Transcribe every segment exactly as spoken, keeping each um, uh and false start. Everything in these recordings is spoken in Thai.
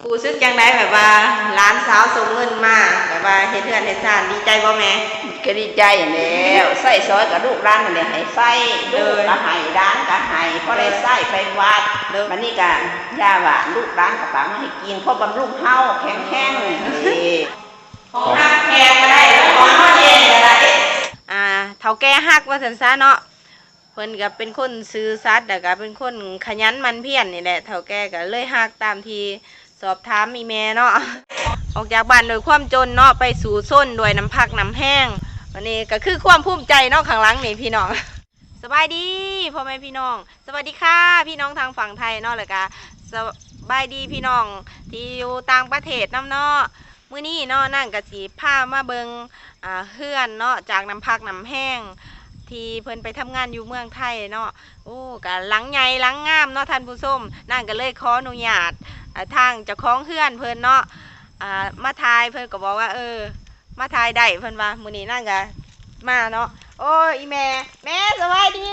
กูซึกจังได้แบบว่าร้านสาวส่งเงินมาแบบว่าเฮ็ดเฮือนเฮ็ดซ่านดีใจบ่แม่ก็ดีใจแล้วใส่ซอยกับลูกร้านมันเนี่ยให้ใส่ลูกก็ให้ร้านก็ให้เพราะได้ใส่ไปวัดมันนี่กันย่าว่าลูกร้านกับป๋ามาให้กินเพราะบำรุงเฮาแข็งแข็งนี่ของฮักแกก็ได้ของพ่อเย็นก็ได้อ่าเฒ่าแก่ฮักว่าซั่นซะเนาะเพิ่นก็เป็นคนซื่อสัตย์แล้วก็เป็นคนขยันมันเพียรนี่แหละเฒ่าแก่ก็เลยฮักตามที่สอบถามมีแม่เนาะออกจากบ้านโดยความจนเนาะไปสู่ส้นด้วยน้ำพักน้ำแห้งวันนี้ก็คือความภูมิใจเนาะข้างหลังนี่พี่น้องสบายดีพ่อแม่พี่น้องสวัสดีค่ะพี่น้องทางฝั่งไทยเนาะแล้วก็สบายดีพี่น้องที่อยู่ต่างประเทศน้ำเนาะมื้อนี้เนาะนั่งกะสีผ้ามาเบิงอ่าเฮือนเนาะจากน้ำพักน้ำแห้งที่เพิ่นไปทำงานอยู่เมืองไทยเนาะโอ้กะหลังใหญ่หลังงามเนาะท่านผู้ชมนั่งก็เลยขออนุญาตทางเจ้าของเฮือนเพิ่นเนาะอ่ามาทายเพิ่นก็บอกว่าเออมาทายได้เพิ่นว่ามื้อนี้นั่งก็มาเนาะโอ้ยอีแม่แม่สบายดี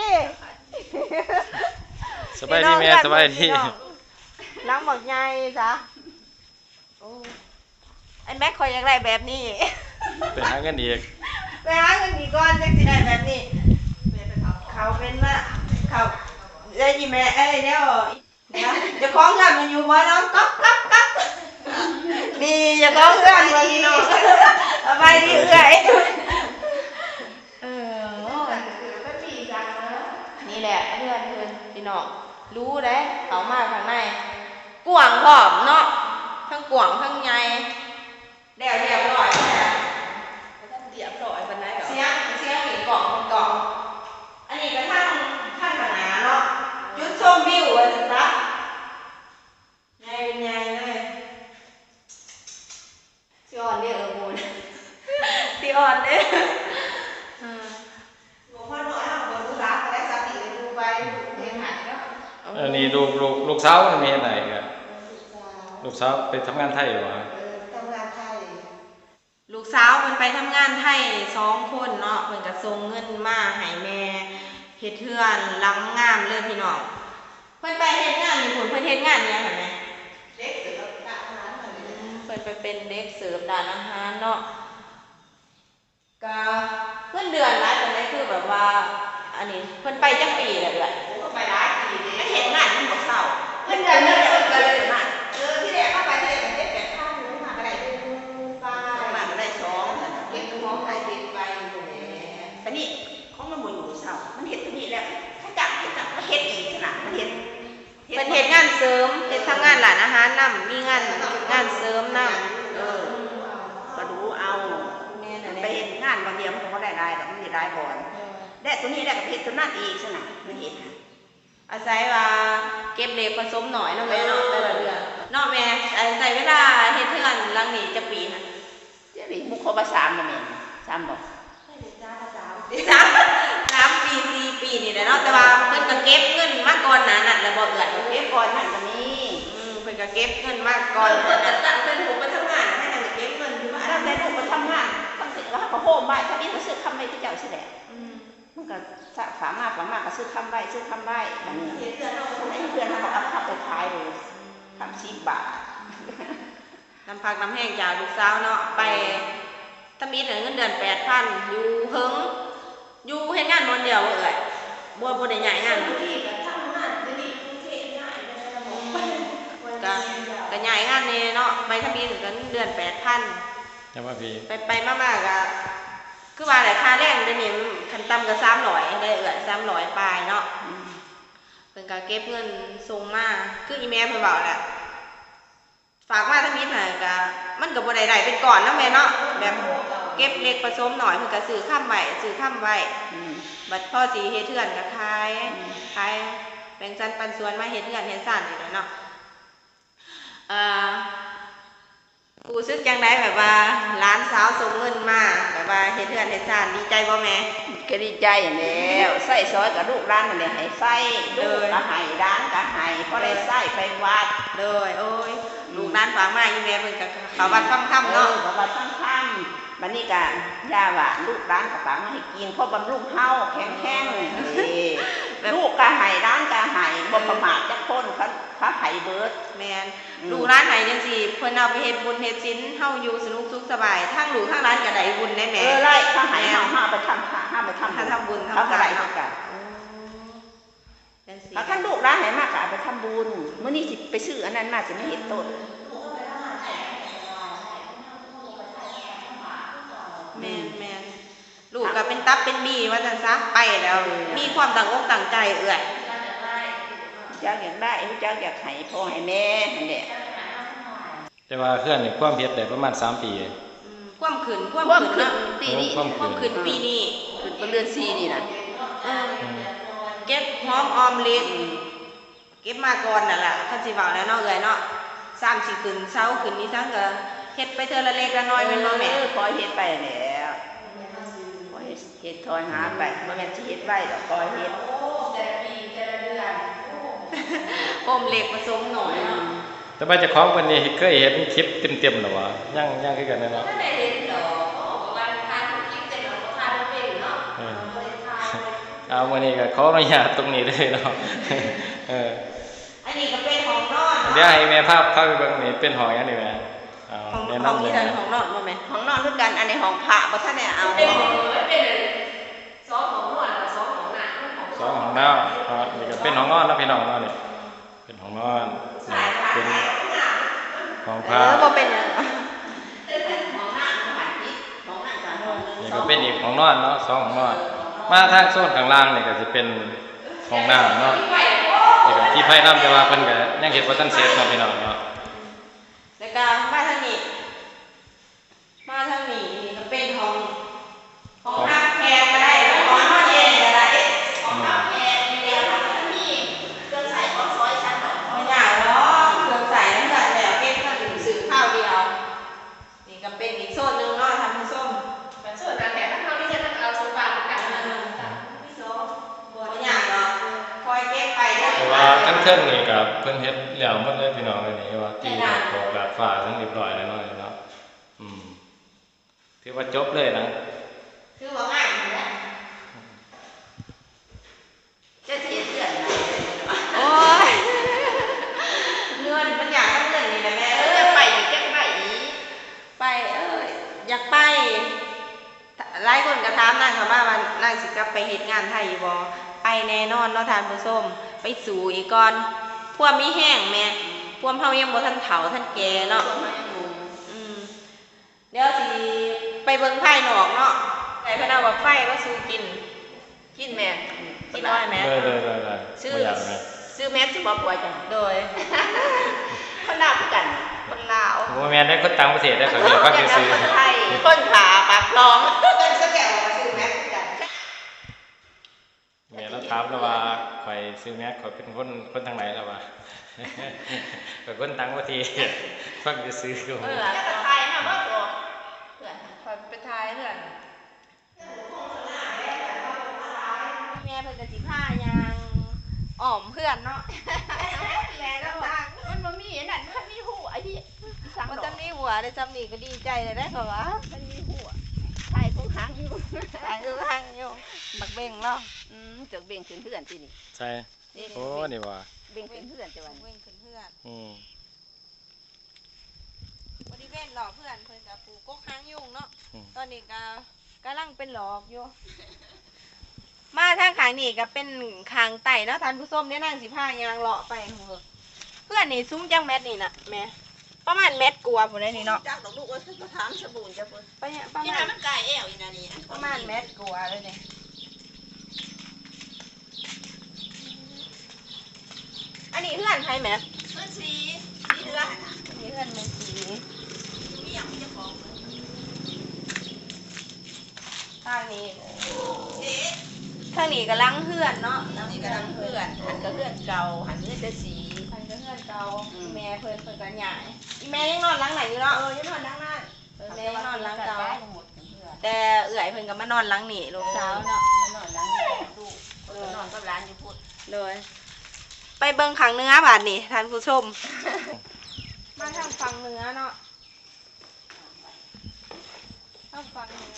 สบายดีแม่สบายดีหลังบักใหญ่จ้ะโอ้ไอ้แม่คอยอยากได้แบบนี้ไปหาเงินอีกไปหาเงินอีกก่อนจังสิได้แบบนี้เขาเป็นว่าเขาได้ยินแม่เอ้ยเดี๋ยวจะคล้องเงินมันอยู่บ่น้องก๊อกก๊อกก๊อกนี่จะคล้องเงินมันนี่สบายดีเอ้ยเออนี่แหละเพื่อนเพื่อนพี่น้องรู้เด้เขามาข้างในกวางหอมเนาะทั้งกวางทั้งใหญ่เดี๋ยวเรียบร้อยแล้วเรียบร้อยปานใดเหรอเสียงเสียงเห็นกล่องเป็นกล่องอันนี้ก็ทั้งทั้งข้างหน้าเนาะจุดชมวิวว่าซั่นซะใหญ่เป็นใหญ่เลยสิอ่อนเด้อเออมูนสิอ่อนเด้ออ่าบ่พอน้อยเฮาบ่รู้รักก็ได้สักทีเลยดูไปเฮ็ดให้เนาะอันนี้ลูกลูกลูกสาวมันมีอะไรกันลูกสาวไปทำงานไทยหรือวะทำงานไทยลูกสาวมันไปทำงานไทยสองคนเนาะเพิ่นก็ส่งเงินมาให้แม่เฮ็ดเฮือนหลังงามเลยพี่น้องเพิ่นไปเฮ็ดงานนี่ผลเพิ่นเฮ็ดงานหยังหั่นแม่เด็กเสิร์ฟร้านอาหารเพิ่นไปเป็นเด็กเสิร์ฟร้านอาหารเนาะก็เงินเดือนหลายปานใดคือแบบว่าอันนี้เพิ่นไปจักปีแล้วเด้อโอ้ไปหลายปีเด้มันเฮ็ดงานมันบ่เศร้าเพิ่นเดือนเดือนเพิ่นก็เลยมาเออที่แรกเข้าไปที่แรกมันเจ็ดแปดพันนึงมาก็ได้หนึ่งปลามาก็ได้สองเก็บของใครเก็บไปอยู่แหละแต่นี่ของมันบ่อยู่เศร้ามันเฮ็ดตัวนี้แล้วถ้าจับเฮ็ดจับมันเฮ็ดอีกขนาดมันเฮ็ดเป็นเฮ็ดงานเสริมเฮ็ดทำงานร้านอาหารนำมีงานงานเสริมนำเออก็ดูเอาแม่นั่นแหละไปเฮ็ดงานบางเดียวมันก็บ่ได้รายดอกมันสิรายก่อนและตัวนี้แล้วก็เฮ็ดตัวนั้นอีกซั่นน่ะมันเฮ็ดอาศัยว่าเก็บเล็กผสมหน่อยเนาะแม่เนาะแต่ละเดือนเนาะแม่ใส่เวลาเฮ็ดเทือนหลังนี้จะปีน่ะจะมีมุขบ่สามบ่แม่สามบ่สามสามปีสี่ปีนี่แหละเนาะแต่ว่าเพิ่นก็เก็บเงินมาก่อนหน้านั้นแล้วบ่เอื้อนเก็บก่อนนั่นก็มีอืมเพิ่นก็เก็บเงินมาก่อนเพิ่นก็ตั้งแต่ลูกไปทำงานให้นั่นก็เก็บเงินอยู่ว่าตั้งแต่ลูกไปทำงานตั้งแต่แล้วก็โฮมไว้ถ้ามีก็ซื้อคำไว้ที่เจ้าสิแหละอืมมันก็ฝากมาฝากมาก็ซื้อคำไว้ซื้อคำไว้อันนี้เพื่อนเราคนนี้เพื่อนเราเอาข้าวไปขายเลยคำสิบบาทน้ำพักน้ำแห้งจากลูกสาวเนาะไปถ้ามีเงินเดือนแปดพันอยู่เฮิงอยู่เฮ็ดงานวันเดียวบ่เอ่ยบ่บ่ได้ใหญ่งานก็ก็ก็ใหญ่งานนี่เนาะไปถ้ามีเงินเดือนแปดพันจังว่าพี่ไปไปมากๆก็คือว่าแหละค่าแรงเดี๋ยวนี้คันต่ำก็สามร้อยได้เอ่ยสามร้อยปลายเนาะเพิ่นก็เก็บเงินส่งมาคืออีแม่เพิ่นเว้าแหละฝากมาถ้ามีน่ะก็มันก็บ่ได้ได้เป็นก่อนเนาะแม่เนาะแบบเก็บเล็กผสมหน่อยเพิ่นก็ซื้อค้ำไว้ซื้อค้ำไว้บัดพ่อสิเฮ็ดเทือนก็ขายขายแบ่งสันปันส่วนมาเฮ็ดเทือนเฮ็ดซ่านนี่แหละเนาะเอ่อกูซึกจังได๋แบบว่าหลานสาวส่งเงินมาแบบว่าเฮ็ดเทือนเฮ็ดซ่านดีใจบ่แม่ก็ดีใจแล้วใส่ซอยกับลูกร้านมันเนี่ยให้ใส่ลูกก็ให้ร้านก็ให้เพราะได้ใส่ไปวัดเลยโอ้ยลูกร้านฝากมาอีแม่เพิ่นก็เข้าวัดฟังธรรมเนาะเข้าวัดฟังธรรมบัดนี้ก็ย่าว่าลูกร้านกับป๋ามาให้กินเพราะบำรุงเฮาแข็งแข็งนี่ลูกก็ให้ร้านก็ให้บ่ประมาทจักคนเขาพาไผเบิดแม่นลูกร้านไหนจังซี่เพิ่นเอาไปเฮ็ดบุญเฮ็ดศีลเฮาอยู่สนุกสุขสบายทั้งลูกทั้งร้านก็ได้บุญได้แหมเออไล่ข้าหายเฮาห้าไปทำพระห้าไปทำถ้าทำบุญเขาทำก็ทาได้นเหมืเนาะอนกันอ๋อจังซี่ถ้าลูกร้านไหนมากก็เอาไปทำบุญเมื่อนี้สิไปซื้ออันนั้นมาสิไม่เห็นต้นแม่นแม่นลูกก็เป็นตับเป็นบีว่าจังซะไปแล้ว มีความตั้งอกตั้งใจเอื้อยเจ้าอยากได้เจ้าอยากให้พ่อให้แม่นั่นแหละแต่ว่าเคลื่อนนี่ความเฮ็ดได้ประมาณสามปีอืมความขืนความความขืนขึ้นเนาะปีนี้ความความขืนปีนี้ขึ้นเป็นเดือนสี่นี่นะเออเก็บหอมออมเล็กเก็บมาก่อนนั่นแหละคันสิเว้าแล้วเนาะเอื้อยเนาะสามสิขึ้นเช้าขึ้นนี้ทั้งก็เฮ็ดไปเทื่อละเล็กละน้อยแม่นบ่แม่เออคอยเฮ็ดไปแล้วคอยเฮ็ดทอยหาไปบ่แม่นสิเฮ็ดไว้ดอกคอยเฮ็ดอมเล็กผสมหน่อยเนาะแต่ว่าเจ้าของเพิ่นนี่เคยเห็นคลิปเต็มๆแล้ววะยังยังคือกันเนาะถ้าได้เห็นดอกวันทานคลิปเต็มของทานเป็นเนาะเออบ่ได้ทานเลยเอาวันนี้ก็ขออนุญาตตรงนี้เลยเนาะ เอออันนี้ก็เป็นของนอนเดี๋ยวให้แม่ภาพภาพไปเบิ่งนี่เป็นหอยอันนี้แม่เอาของแนะของนำเลนี่ยเดินของนอนบ่แม่ของนอนคือกันอันนี้ของพระบ่ทันได้เอาเป็นเป็นสองของนอนกับสองของหน้าของสองของน้าครับนี่ก็เป็นของนอนนะพี่น้องเนาะนี่เป็นของนอนนี่เป็นของพเอระอบ่เป็นหยังของหน้าของหันทิศของหน้ากับของนึงนี่ก็เป็นอีกของนอนเนาะสองของนอนมาทางโซนข้างล่างนี่ก็สิเป็นของน้ำเนาะนี่ก็ที่ไฟน้ำแต่ว่าเพิ่นก็ยังเฮ็ดบ่ทันเสร็จเนาะพี่น้องเนาะแล้วก็มาทางนี้มาทางนี้นี่ก็เป็นของของน้ำแพงก็ได้ของนอนเย็นก็ได้ของน้ำแพงนี่เดียวมันมีเครื่องใส่ของซอยชั้นหน่อยไม่ได้หรอกเครื่องใส่น้ำตาลแล้วเก็บมาถึงซื้อข้าวเดียวนี่ก็เป็นอีกโซนหนึงเนาะทำผู้ส้มแต่ส่วนนั้นแต่ถ้าเราไม่ใช่ต้องเอาโซฟาเหมือนกันนะบ่ยากหรอกคอยเก็บไปเด้อแต่ว่าทั้งเทิงนี่ก็เพิ่นเฮ็ดแล้วหมดเลยพี่น้องเลยนี่ว่าตีดอกบอกดาดฟ้าทั้งเรียบร้อยแล้วเนาะเนาะอืมถือว่าจบเลยนะคือว่าง่ายอยู่แล้วจะเทียนเพื่อนนะโอ้ยเงินมันอยากต้องเงินนี่แหละแม่เอเอ้อย ไปอีกจังไปอีกไปเอ้ยอยากไปหลายคนก็ถามนางเขามาว่านางสิกลับไปเฮ็ดงานไทยอยู่บ่ไปแน่นอนเนาะทานผู้ชมไปสู่อีกก่อนพวกมีแห้งแม่พวกเฮายังบ่ทันเฒ่าทันแก่เนาะอืมเดี๋ยวสิไปเบิ่งภายนอกเนาะไอ้เพิ่นเอาว่าไฟก็สู่กินกินแม่กินน้อยแม่เลยเลยเลยเลยซื้อบ่อยากเลยซื้อแมสสิบ่ป่วยจังโดยคนลาวคือกันคนลาวบ่แม่นได้คนต่างประเทศได้เขาเรียกว่าซื่อคนไทยคนขาปากคลองเป็นสแกวมาซื้อแม็กซ์กันๆแม่เราถามแล้วว่าข่อยซื้อแม็กข่อยเป็นคนคนทางไหนแล้วว่า ข่อยคนต่างประเทศฟังซื่อๆก็เอบ่อแล้วก็ไทยนะบ่ตัวเพื่อนคอยไปทายเพื่อนแม่เพิ่นก็สิพายางอ้อมเพื่อนเนาะแม่ก็ทางมันบ่มีอันนั้นมันมีหูไอ้ที่สั่งมันดอจะกมีหัวได้จำนี่ก็ดีใจเลยได้ค่ะวะมันมีหูไทยคงหางอยู่ทางอยู่ทางอยู่บักเบ่งเนาะอืมจกเบ่งขึ้นเพื่อนที่นี่ใช่นี่โอ้นี่ว่าเบ่งขึ้นเพื่อนจังหวะเบ่งขึ้นเพื่อนอืมบริเวณหลอกเพื่อนเพิ่นกับปลูกกกหางยุงเนาะตอนนี้ก็กำลังเป็นหลอกอยู่ มาทางขางนี่ก็เป็นขางไต่เนาะท่านผู้ชมเนี่ยนั่งสิผ้ายางเลาะไปโหเพื่อนนี่ซุ้มจังแมทนี่นะแม่ประมาณเม็ดกลัวาพุ่นได้นี่เนาะจักดอกลูกเอ้ยมาถามสบู่จ้ะเพิ่นประมาณประนี่มาน่ะณมันไก่แอวอีน่ะนี่ประมาณเม็ดกลัวาเลยเนี่ยอันนี้เพื่อนใครแม่เพิ่นสีสีเดือนอันนี้เพื่อนเป็นสีมีหยังเจ้าของทางนี้เอ๊ะทางนี้ก็ล้างเพื่อนเนาะนี่กำลังเพื่อนหันก็เพื่อนเก่าหันเพื่อนจะสีทางก็เพื่อนเก่าอืมแม่เพิ่นเพิ่นก็ใหญ่อีแม่ยังนอนหล้างไหนอยู่เนาะเออยังนอนนั่งนั่นเออแม่ยังนอนหล้างเก่าหมดเพื่อนแต่เอื่อยเพิ่นก็มานอนหล้างนี่ลูกสาวเนาะนอนนั่งนี่ลูกคนก็นอนกับร้านอยู่พูดเลยไปเบิ่งขังเนื้อบาดนี่ท่านผู้ชม มาทางฝั่งเหนือเนาะทางฝั่งเหนือ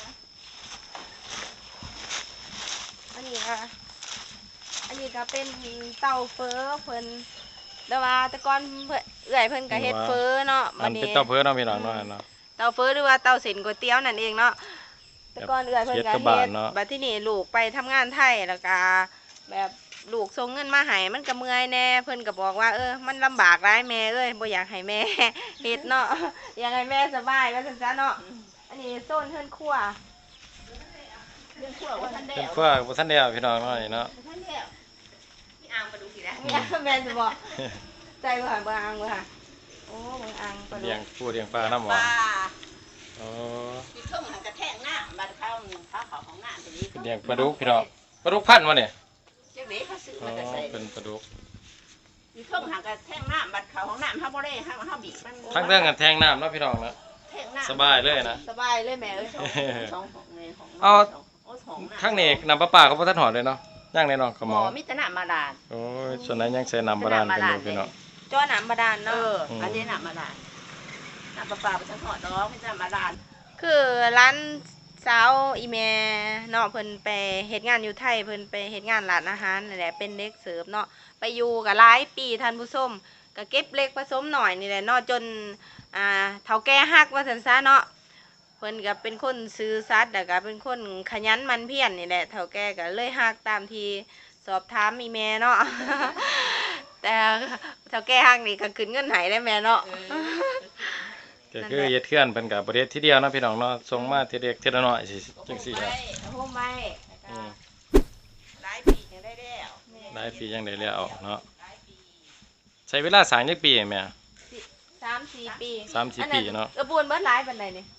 อันนี้ค่ะอันนี้ก็เป็นเตาเฟอเพิ่นแต่ว่าแต่ก่อนเพิ่นเอื้อยเพิ่นก็เฮ็ดเฟอเนาะอับันดเป็นนี้เต้าเพื่อเนาะพี่น้องเนาะเนาะเตาเฟอหรือว่าเตาเส้นก๋วยเตี๋ยวนั่นเองเนาะแต่ก่อนเอื้อยเพิ่นก็เฮ็ดกับบ้าเฮ็นดเนาะบัดที่นี่ลูกไปทำงานไทยแล้วก็แบบลูกส่งเงินมาให้มันก็เมื่อยแน่เพิ่นก็บอกว่าเออมันลำบากหลายแม่เอ้ยบ่อยากให้แม่ เฮ็ดเนาะอยากให้แม่สบายว่าซั่นซะเนาะอันนี้โซนเฮือนครัวเรื่องพวกว่าท่านได้เป็นเอาพวกบ่ทันได้เอาพี่น้องเนาะนี่เนาะท่านได้เอาพี่อ่างมาดูสินะแม่แม่สิบอกใจบ่หันบ่อังบ่ค่ะโอ้บ่อังปลาเลี้ยงลูกปูเลี้ยงปลาน้ำหปวานลาอ๋อมีเครื่องหันกระแทกหน้าบัดเข้าเข้าเขาของหน้าทีนี้เลี้ยงปลาดุกพี่น้องปลาดุกพันธุ์บ่เนี่ยเจ้าเด็กเขาซื้ออ๋อมาแต่ใส่เป็นปลาดุกมีเครื่องหันกระแทกหน้าบัดเขาของหน้าเขาบ่ได้เขาเขาบีบมันทั้งเรื่องกันแทงน้ำเนาะพี่น้องเนาะแทงหน้าสบายเลยนะสบายเลยแม่เอ้ยสองของในของเอาโอ้สองข้างนี้น้ำประปาเขาบ่ทันหอดเลยเนาะย่างแน่นอนขะหมหมออมิตรน้ำมาดานโอ้ยส่วนนั้นยังใส่น้ำบาดาลกันอยู่พี่น้องจ้อน้ำบาดาลเอเนาะออันนี้น้ำมาดานน้ำปลาปลาไปทั้งหอดน้องมิตรน้ำมาดานคือร้านสาวอีแม่เนาะเพิ่นไปเฮ็ดงานอยู่ไทยเพิ่นไปเฮ็ดงานร้านอาหารนี่แหละเป็นเด็กเสิร์ฟเนาะไปอยู่กับหลายปีท่านผู้ชมก็เก็บเล็กผสมหน่อยนี่แหละเนาะจนอ่าเฒ่าแก่ฮักว่าซั่นซะเนาะเพิ่นก็เป็นคนซื่อสัตย์แล้วก็เป็นคนขยันหมั่นเพียรนี่แหละเฒ่าแก่ก็เลยฮักตามที่สอบถามอีแม่เนาะ แต่เฒ่าแก่ฮักนี่ก็ขึ้นเงินให้ได้แม่เนาะก็คือเฮ็ดเทือนเพิ่นก็บ่ได้เฮ็ดทีเดียวเนาะพี่น้องเนาะส่งมาทีเล็กทีละน้อยสิจังซี่ครับโฮมไว้อืมหลายปียังได้แล้วหลายปียังได้แล้วเนาะใช้เวลาสร้างจักปีแม่สามสี่ปีสามสี่ปีเนาะกระบวนเบิดหลายปานใดนี่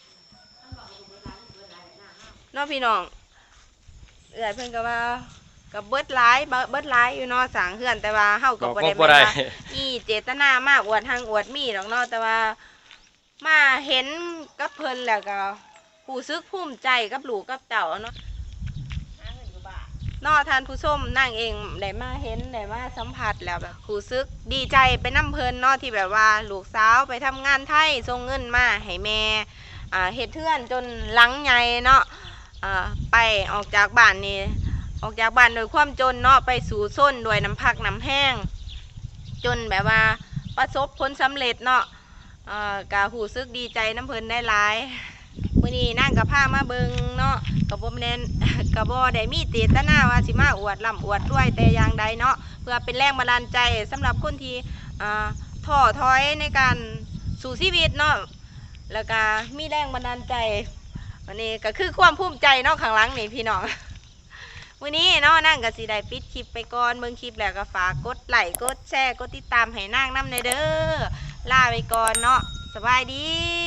เนาะพี่น้องเอื้อยเพิ่นก็ว่ากับเบิดหลายเบิดเบิดหลายอยู่เนาะสร้างเฮือนแต่ว่าเฮาก็บ่ได้บ่ได้แม่นว่าอีเจตนามาอวดทางอวดมีดอกเนาะแต่ว่ามาเห็นกับเพิ่นแล้วก็รู้สึกภูมิใจกับลูกกับเต้าเนาะหาเงินอยู่บ้านเนอท่านผู้ชมนั่งเองได้มาเห็นได้มาสัมผัสแล้วแบบรู้สึกดีใจไปน้ำเพลินเนอที่แบบว่าลูกสาวไปทำงานไทยส่งเงินมาให้แม่อ่าเฮ็ดเทือนจนหลังใหญ่เนาะอ่าไปออกจากบ้านนี่ออกจากบ้านโดยความจนเนาะไปสู่ส้นด้วยน้ำพักน้ำแห้ง จนแบบว่าประสบผลสำเร็จเนาะอ่ากะรู้สึกดีใจน้ำเพลินได้หลายมื้อนี้นั่งกับผ้ามาเบิงเนาะกับบ่แม่น กระบอได้มีเจตนาว่าสิมาอวดล่ำอวดด้วยแต่อย่างใดเนาะเพื่อเป็นแรงบันดาลใจสำหรับคนที่อ่าท้อถอยในการสู่ชีวิตเนาะแล้วก็มีแรงบันดาลใจวันนี้ก็คือความภูมิใจเนาะข้างหลังนี่พี่น้อง วันนี้เนาะนั่งก็สิได้ปิดคลิปไปก่อนเบิ่งคลิปแล้วก็ฝากกดไลค์กดแชร์กดติดตามให้นางนำในเด้อลาไปก่อนเนาะสบายดี